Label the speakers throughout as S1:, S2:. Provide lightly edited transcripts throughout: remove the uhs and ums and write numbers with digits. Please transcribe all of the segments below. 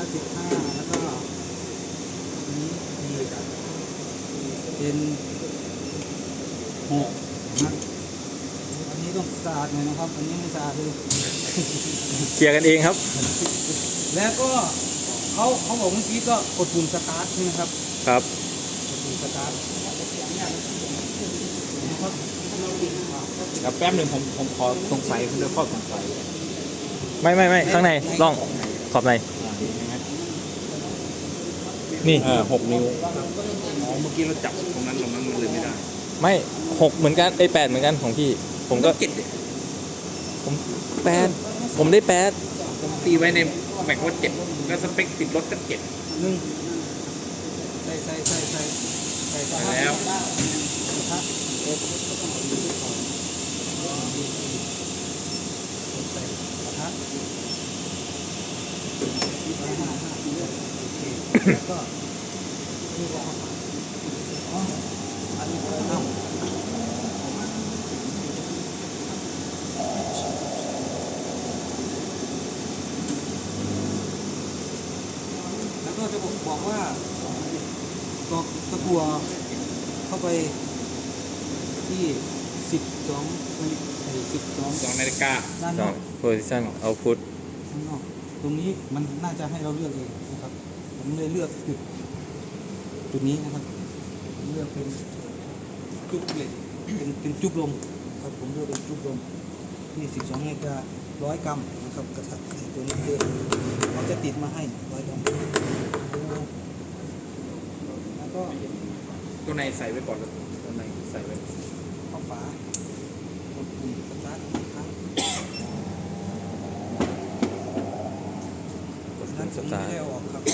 S1: 15แล้วก็อันนี้เป็น6นะอันนี้ต้องสะอาดหน่อยนะครับอันนี้ไม่สะอาดเลย
S2: เคลียร์กันเองครับ
S1: แล้วก็เขาบอกเมื่อกี้ก็กดปุ่มสตาร์ทใช่ไหมครับ
S2: ครับ
S1: กดปุ่มสตาร์ทนะครับ
S3: เดี๋ยวแป๊บหนึ่งผมขอสงสัยคุณเดี๋ยวข้อสงสัย
S2: ไม่ข้างในล่องขอบใน
S3: เห็นไหม
S2: นี่
S3: 6 นิ้วอ๋อเมื่อกี้เราจับตรงนั้นมันเลยไม่ได้
S2: ไม่6เหมือนกัน8เหมือนกันของพี่ผมก็
S3: เจ็ด
S2: ผม8ผมได้8
S3: ผมตีไว้ในแม็กว่า7แล้วสเปคติดรถก็7
S1: หนึ่งใส่
S3: แล้ว
S1: นะครับแล้วก็อ๋ออันนี้ก็เอาแล้วก็จะบอกว่าตะกัวเข้าไปที่12
S3: 2 นาฬิกา
S1: ด้านนอก
S2: position output
S1: ข้างนอกตรงนี้มันน่าจะให้เราเลือกเองนะครับผมเลยเลือกจุดนี้นะครับผมเลือกเป็นจุ๊บเหล็กเป็นจุ๊บลมครับผมเลือกเป็นจุ๊บลมที่12 นาฬิกา100 กรัมนะครับกระทะตัวนี้คือเขาจะติดมาให้100 กรัมแล้วก็
S3: ตัวในใส่ไว้ก่อนแล้วตัวในใส่ไว้
S1: เข้าฝากดปุ่มสตาร์ทอีกครั้งนั้นผมไม่ได้เอาออกครับ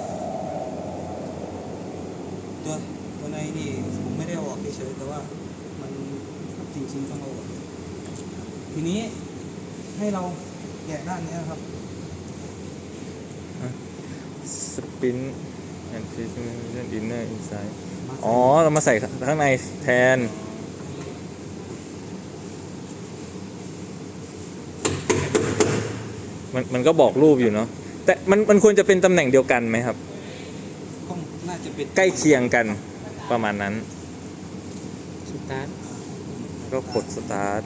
S1: ตัวในนี่ผมไม่ได้เอาออกเฉยๆแต่ว่ามันจริงๆต้องเอาออกทีนี้ให้เราแกะด้านนี้ครับ
S2: spin and position inner inside อ๋อเรามาใส่ข้างในแทนมันก็บอกรูปอยู่เนาะแต่มันควรจะเป็นตำแหน่งเดียวกันไหมครับ
S1: ก็น่าจะเป็น
S2: ใกล้เคียงกันประมาณนั้น
S1: สตาร์ท
S2: ก็กด start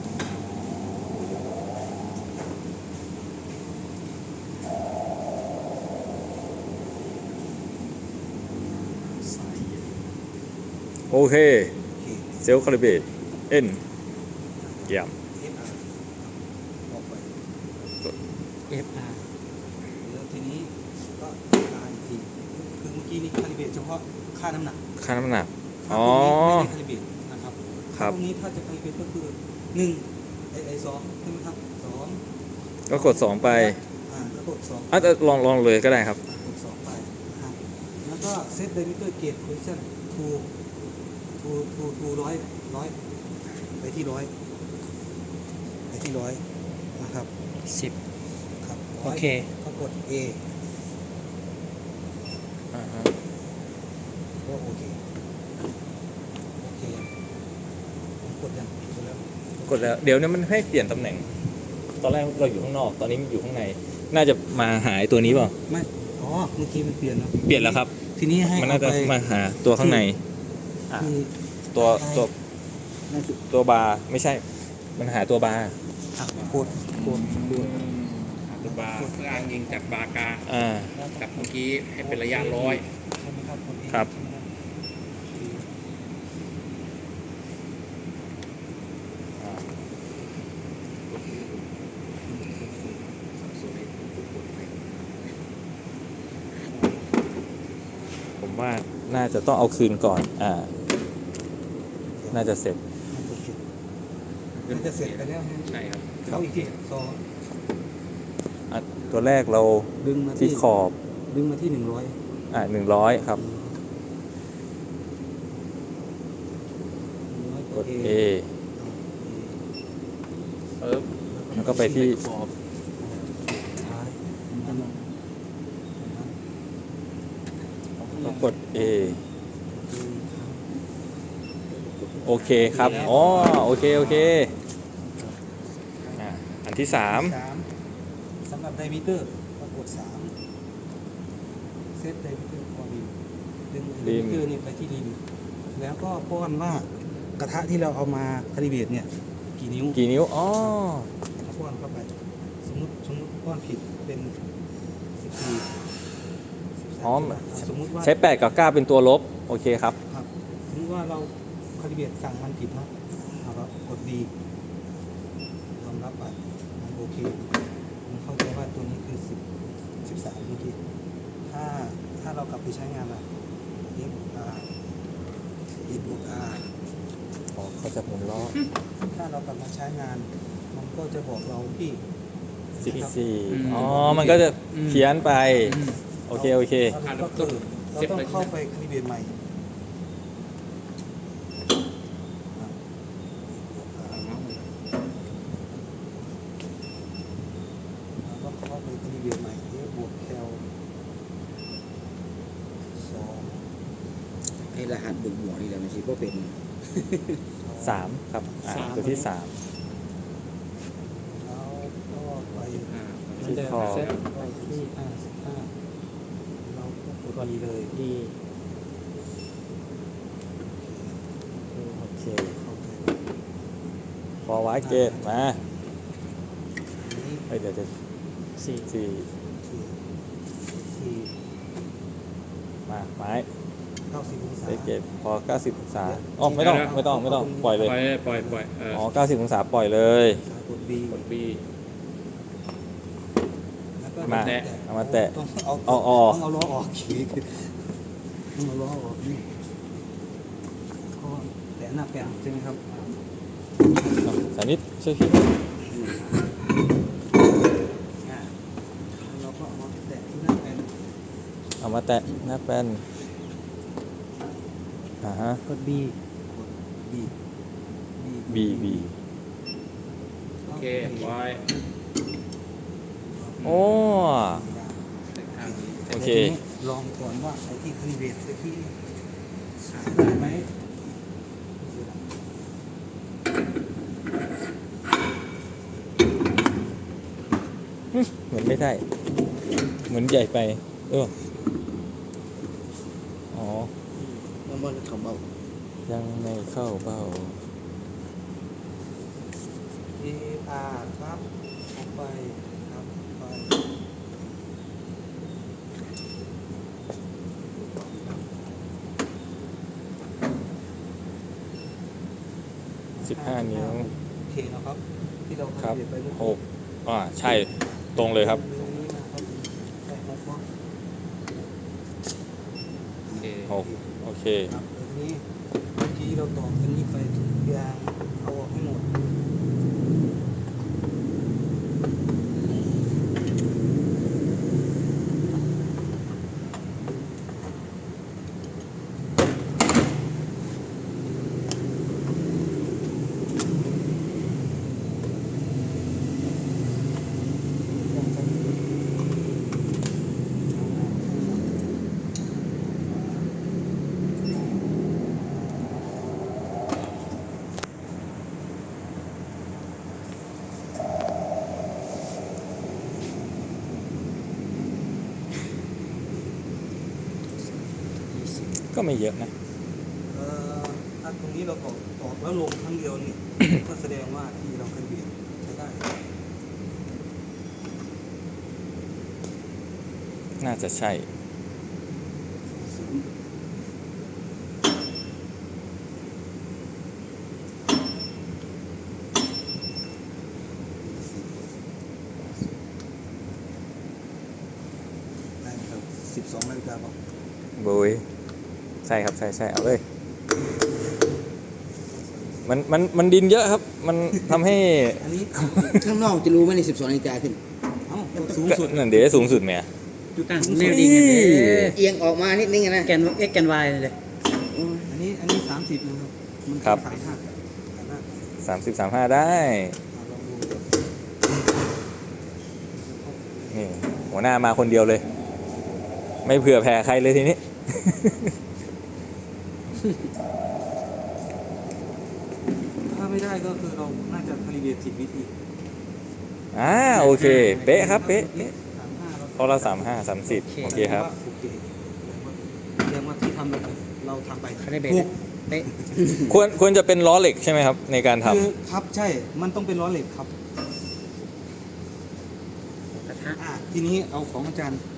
S2: โอเคเซลล์คาลิเบรตเอ็นเยี่ยม
S1: ออกไป
S3: FR
S1: แล้วทีนี้ก็การอีกทีคือเมื่อกี้นี่คาลิเบรตเฉพาะค่าน้ำหนัก
S2: ค่าน้ำหนัก
S1: ค่า
S2: อ๋อ
S1: ตรงนี้ไม่ได้คาลิเบรตนะครับ
S2: ครับ
S1: ตรงนี้ถ้าจะคาลิเบรตก็คือ1ไอ2ใช่ไหมครับ2
S2: ก็กด 2 ไป
S1: ก็กด2
S2: อ่ะลองเลยก็ได้ครับ
S1: กด2ไปนะครับแล้วก็เซตไดมิเตอร์เกจโพซิชั่นทูร้อยไปที่100นะครับ
S3: 10
S1: ครับ
S3: โอเค
S1: ก็กด A
S2: อ่าฮะ
S1: ก็โอเคผมกดยังกดแล้ว
S2: กดแล้วเดี๋ยวนี้มันให้เปลี่ยนตำแหน่ง ตอนแรกเราอยู่ข้างนอกตอนนี้มันอยู่ข้างในน่าจะมาหาไอ้ตัวนี้เปล่า
S1: ไม่อ๋อเมื่อกี้มันเปลี่ยนแล้ว
S2: เปลี่ยนแล้วครับ
S1: ทีนี้ให้
S2: มันน่าจะ
S1: เอาไป
S2: มาหาตัวข้างใน
S1: คือ
S2: ตัวบาร์ไม่ใช่ มันหาตัวบาร์
S1: กด
S3: ตัวบาร์เพื่ออ้างยิงจากบาร์กลาง
S2: อ่า
S3: กับเมื่อกี้ให้เป็นระยะ100
S1: ใช่ไหมครับกด A
S2: ครับ
S1: ใช่ไหมครับ
S2: ผมว่าน่าจะต้องเอาคืนก่อนน่าจะเสร็จ
S1: มันจะเสร็จไปแล้ว
S3: ใช่ครับ
S1: เขาอีกทีสอง
S2: ตัวแรกเรา
S1: ดึงมา
S2: ที่
S1: ที่
S2: ขอบ
S1: ดึงมาที่100
S2: 100 ครับ กด A แล้วก็ไปที่
S3: ขอบ
S1: ซ้ายมันจะ
S2: ก็กด A โอเคครับอ๋อโอเคอันที่ 3
S1: สำหรับไดมิเตอร์ก็กด3 เซตไดมิเตอร์ฟอร์ริมดึงไดมิเตอร์นี่ไปที่ริมแล้วก็ป้อนว่ากระทะที่เราเอามาคาลิเบรตเนี่ยกี่นิ้ว
S2: กี่นิ้ว อ๋อ
S1: ป้อนเข้าไปสมมติป้อนผิดเป็น14
S2: อ๋อ
S1: สมมติว่า
S2: ใช้8กับ9เป็นตัวลบ โอเคครับ
S1: ครับสมมติว่าเราคาลิเบรตสั่งมันผิดเนาะเราก็กดดียอมรับไปมันโอเคผมเข้าใจว่าตัวนี้คือ13เมื่อกี้ถ้าเรากลับไปใช้งานอะFบวก R
S2: อ๋อเขาจะหมุนล้อ
S1: ถ้าเรากลับมาใช้งาน มันก็จะบอกเราที่นะครับ
S2: 14อ๋อ มันก็จะเพี้ยนไป โอเค โอเค
S1: ก็คือเราต้องเข้าไปคาลิเบรตใหม่เราก็เข้าไปคาลิเบรตใหม่บวกแคล2
S4: ไอ้รหัสบวกนี่แหละมันสิก็เป็น
S2: 3 ครับ ตัวที่ 3
S1: แล้วก็ไป
S2: ที่คอ
S1: ไปที่55เราก็กดดีเลย
S3: ดี
S2: โอเค
S1: เข้าใจ
S2: ฟอร์วาร์ดเกตมา
S1: อันนี้
S2: เดี๋ยว4
S1: สี่
S2: มาไม้
S1: 90 องศา
S2: เซตเกตพอ 90 องศาอ๋อไม่ต้อง ปล่อยเลย
S3: ปล่อย
S2: อ๋อ 90 องศาปล่อยเลย
S1: กด B
S3: กดบี
S1: แล้วก็
S2: มา
S3: แตะ
S2: เอามาแตะ
S1: ต้อง
S2: เอาออก
S1: ต้องเอาล้อออกขีดต้องเอาล้อออกนี่ก็แตะหน้าแปะใช่ไหมครับ
S2: สานิดช่วยคิด
S1: เราก็เอามาแตะที่หน้าแปะ
S2: เอามาแตะหน้าแป้นฮะ
S1: กด B กด B
S2: B
S3: โอเคไว้
S2: โอ้
S3: ทางนี้
S2: โอเค
S1: ทีนี้ลองก่อนว่าไอ้ที่คลีเวทไอ้ที่ได้ไหม
S2: เหมือนไม่ได้ เหมือนใหญ่ไปอ๋อ
S4: มันบ่เข้าเบา
S2: ยังไม่เข้าเบ้า
S1: เออาครับออกไปครับไป
S2: 15 นิ้ว
S1: โอเคนะครับ ที่เรา
S2: ครับ
S1: คาลิเวทไปเมื่อ
S2: ห
S1: กี้
S2: กใช่ ตรงเลยครับ
S1: ตรงนี้นะครับได้6เนาะ
S3: โอเค
S2: 6 โอเค
S1: ครับตรงนี้เมื่อกี้เราตอกตรงนี้ไปทุกอย่างเอาออกให้หมด
S2: ก็ไม่เยอะนะ
S1: ถ้าตรงนี้เราตอกแล้วลงครั้งเดียวนี่ ก็แสดงว่าที่เราคาลิเวทใช้ได้
S2: น่าจะใช่
S1: ได้ครับ12 นาฬิกาบอก
S2: บุยใช่ครับ ใช่ เอาเลย มันดินเยอะครับ มันทำให้
S1: อันนี้
S4: ข้างนอกจะรู้ไหมใน12 นาฬิกาขึ้น
S1: เอ้าสูงสุด
S2: นั่นเดี๋ยวสูงสุดไหม
S3: ตั้งแนวดิ่งกันเลย
S4: เอียงออกมานิดนึงอะนะ
S3: แกน x แกน y เลย
S1: อันนี้30นะครับมัน
S2: ครับ
S1: 35
S2: 30 35 ได้
S1: ลองดู
S2: นี่ หัวหน้ามาคนเดียวเลย ไม่เผื่อแผ่ใครเลยทีนี้
S1: ถ้าไม่ได้ก็คือเราน่าจะคาลิเบรตผิดวิธี
S2: โอเค เป๊ะครับ เป๊ะ
S1: 35เรา
S2: ข้อละ35 30โอเคครับ
S1: โอเคแสดงว่าที่ทำเราทำไป
S4: เขาได้เบรก
S1: ถูก
S4: เป๊ะ
S2: ควรจะเป็นล้อเหล็กใช่ไหมครับ ในการทำ
S1: คือครับใช่ มันต้องเป็นล้อเหล็กครับ
S4: กระทะ
S1: ทีนี้เอาของอาจารย์